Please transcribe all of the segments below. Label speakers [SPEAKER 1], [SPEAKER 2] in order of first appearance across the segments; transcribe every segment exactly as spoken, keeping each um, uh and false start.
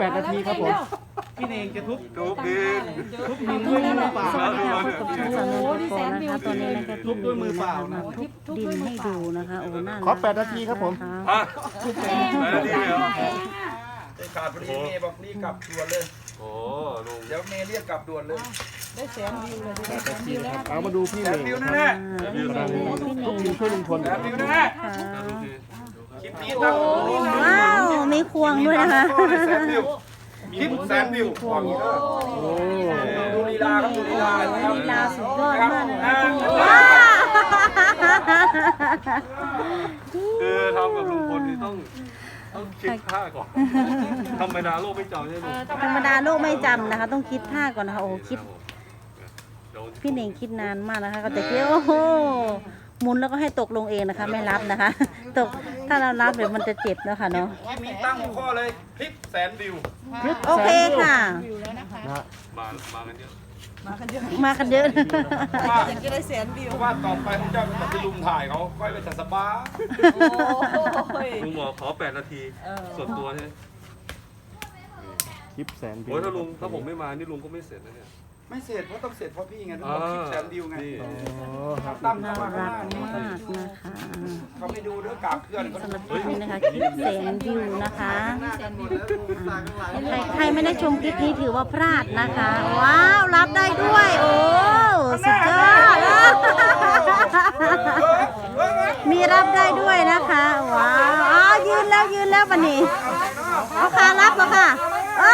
[SPEAKER 1] แปดนาทีครับผมพี่เองจะทุบ
[SPEAKER 2] ทุบดิน
[SPEAKER 1] ทุบดินด้วยมือเปล่า
[SPEAKER 3] สวัสดีค่ะพบกับช่องสาวน้อยโปรนะคะตอนนี้นะคะ
[SPEAKER 1] ทุบด้วยมือเปล่านะ
[SPEAKER 3] มาทุบดินให้ดูนะคะโอ้น่ารัก
[SPEAKER 1] ขอแปดนาทีครับผม
[SPEAKER 3] นะะ
[SPEAKER 2] ฮะแปดนาทีเหรอ
[SPEAKER 4] ขาดพอดีเมย์บอกนี่กลับด่วนเลย
[SPEAKER 2] โอ้ลุง
[SPEAKER 4] เดี๋ยวเมย์เรียกกลับด่วนเลย
[SPEAKER 1] เอามาดูพี่
[SPEAKER 4] แส
[SPEAKER 1] เอน ง
[SPEAKER 4] วิวแน่
[SPEAKER 3] อ่าพี่เน่งพี่เน่ง
[SPEAKER 1] พี่ช่วยลุงพล
[SPEAKER 4] ๆแสนวิวแน่
[SPEAKER 3] ค่ะ
[SPEAKER 2] ดูสิ
[SPEAKER 4] ๆคลิปนี้ตั้งนี่นะ
[SPEAKER 3] ว้าวมีควงด้วยนะคะ
[SPEAKER 4] แสนวิวคลิปแสนวิวควงนี้เลย
[SPEAKER 1] โอ้
[SPEAKER 4] ดูลีลาครับดูลีลาครับ
[SPEAKER 3] ลีลาสุดยอดมากเลย
[SPEAKER 4] อ่า
[SPEAKER 3] ว้าว
[SPEAKER 2] คือทำกับลุงพลนี่ต้องต้องคิดท่าก่อนธรรมดาโลกไม่จำใช่ไหมลุง
[SPEAKER 3] ธรรมดาโลกไม่จำนะคะ ต้องคิดท่าก่อนนะคะโอ้คิด
[SPEAKER 2] เดี๋ยว
[SPEAKER 3] พี่เน่งคิดนานมากนะคะก็จะคิดโอ้โหหมุนแล้วก็ให้ตกลงเองนะคะ ไม่รับนะคะ ตกถ้าเรารับเดี๋ยวมันจะเจ็บแล้วค่ะเนาะ
[SPEAKER 4] คลิปนี้ตั้งหัวข้อเลยคลิปแสนวิว
[SPEAKER 3] โอเคค่ะ
[SPEAKER 1] นะ
[SPEAKER 2] มามากันเยอะ
[SPEAKER 3] มากันเยอะ
[SPEAKER 4] ว่าจะได้แสนวิวว่าต่อไปผมจะไปลุมถ่ายเขาค่อยไปจัดสปา
[SPEAKER 2] ลุงบอกขอแปดนาทีส่วนตัวใช่ไหม
[SPEAKER 1] คลิปแสนวิว
[SPEAKER 2] โอ้ยถ้าลุงถ้าผมไม่มานี่ลุงก็ไม่เสร็จนะเนี่ย
[SPEAKER 4] ไม่เสร็จเพราะต้องเสร็จเพราะพี่ไงต้อง
[SPEAKER 2] อ่า
[SPEAKER 4] บอกคลิปแสนวิวไง
[SPEAKER 2] นี่
[SPEAKER 1] อ๋อครับ
[SPEAKER 4] ตั้ม
[SPEAKER 3] น่า
[SPEAKER 4] เข้ามาข้าง
[SPEAKER 3] รั
[SPEAKER 4] ห
[SPEAKER 3] ก
[SPEAKER 4] น้านี่
[SPEAKER 3] มากนะคะ
[SPEAKER 4] เขาไม่ดูเรื่องกราบเพื่อนเขา
[SPEAKER 3] สำหรับคลิปนี้นะคะคลิปแสนวิวนะคะใครใครไม่ได้ชมคลิปนี้ถือว่าพลาดนะคะ ว้าวรับได้ด้วย โอ้สุดยอดมีรับได้ด้วยนะคะว้าวอ๋อยืนแล้วยืนแล้ววันนี้เอาค่ะรับแล้วค่ะอ้าว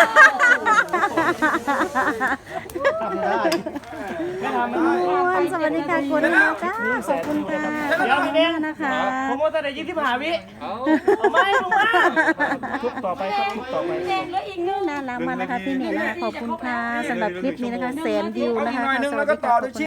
[SPEAKER 1] ทำได้ไม่ทำไม่ได้
[SPEAKER 3] คุณสวัสดีค่ะคุณนะจ้าขอบคุณค่ะขอบคุณมากนะคะ
[SPEAKER 1] ผมว่าแต่ไหนยี่สิบห้าวิ
[SPEAKER 2] เอ้า
[SPEAKER 1] ไม่ลุงมาทุบต่อไปครับทุบต่อไป
[SPEAKER 3] น่ารักมากนะคะพี่เน่งนะคะขอบคุณค่ะสำหรับคลิปนี้นะคะแสนวิว
[SPEAKER 4] เอา
[SPEAKER 3] นะ
[SPEAKER 4] อีก
[SPEAKER 3] คะ
[SPEAKER 4] หน่อยนึง
[SPEAKER 3] ส
[SPEAKER 4] แล้
[SPEAKER 3] วั
[SPEAKER 4] ว
[SPEAKER 3] ส
[SPEAKER 4] ก็
[SPEAKER 3] ดี
[SPEAKER 4] ต่อ
[SPEAKER 3] ค่ะ
[SPEAKER 4] ด้วย